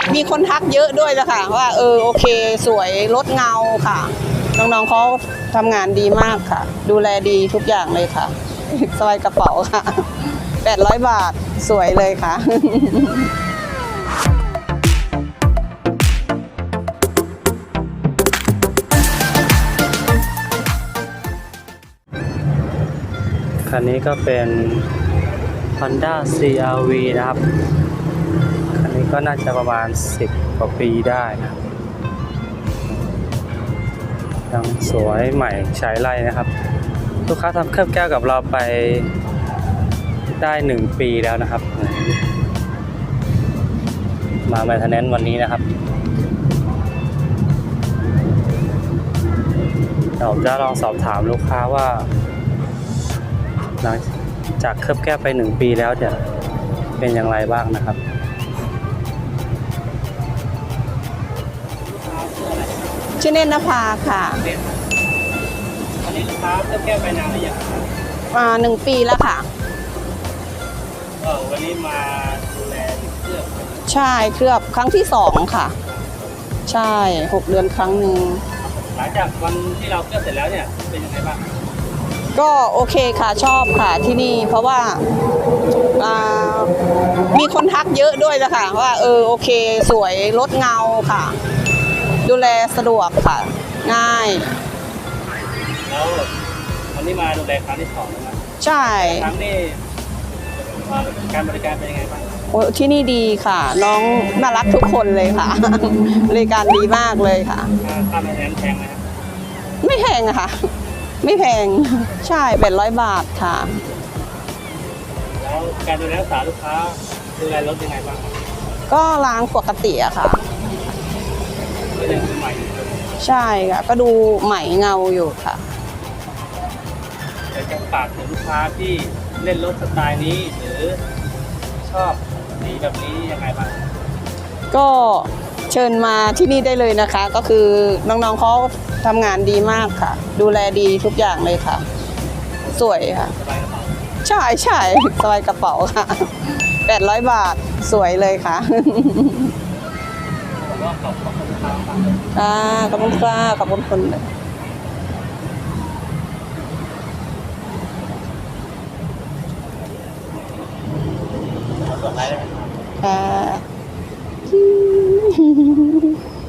มีคนทักเยอะด้วยละค่ะว่าโอเคสวยลดเงาค่ะน้องๆเขาทำงานดีมากค่ะดูแลดีทุกอย่างเลยค่ะสบายกระเป๋าค่ะ800 บาทสวยเลยค่ะคันนี้ก็เป็น Honda CR-V นะครับคันนี้ก็น่าจะประมาณ10 กว่าปีได้นะยังสวยใหม่ใช้ไรนะครับลูกค้าทำเคลือบแก้วกับเราไปได้1 ปีแล้วนะครับมาแมนเทนแนนซ์วันนี้นะครับเราจะลองสอบถามลูกค้าว่าหลังจากเคลือบแก้วไป1 ปีแล้วจะเป็นอย่างไรบ้างนะครับชื่อเนตรนภาค่ะวันนี้ลูกค้าเคลือบแก้วไปนานหรือยัง 1 ปีแล้วค่ะวันนี้มาดูแลเคลือบใช่เคลือบครั้งที่2ค่ะใช่6 เดือนครั้งหนึ่งหลังจากวันที่เราเคลือบเสร็จแล้วเนี่ยเป็นยังไงบ้างก็โอเคค่ะชอบค่ะที่นี่เพราะว่ามีคนทักเยอะด้วยนะคะว่าโอเคสวยลดเงาค่ะดูแลสะดวกค่ะง่ายแล้ววันนี้มาดูแลครั้งที่2แล้วนะใช่ครั้งนี้การบริการเป็นยังไงบ้างที่นี่ดีค่ะน้องน่ารักทุกคนเลยค่ะบริการดีมากเลยค่ะค่าแรงแพงไหมครับไม่แพงอะค่ะไม่แพงใช่800 บาทค่ะแล้วการดูแลรักษาลูกค้าดูแลรถยังไงบ้างก็ล้างปกติอะค่ะก็ยังใหม่ใช่ค่ะก็ดูใหม่เงาอยู่ค่ะจะฝากถึงลูกค้าที่เล่นรถสไตล์นี้หรือชอบสีแบบนี้ยังไงบ้างก็เชิญมาที่นี่ได้เลยนะคะก็คือน้องๆเขาทำงานดีมากค่ะดูแลดีทุกอย่างเลยค่ะสวยค่ะใช่ใช่สบายกระเป๋าค่ะ800 บาทสวยเลยค่ะขอบคุณครับขอบคุณค่ะขอบคุณคนเลยค่ะ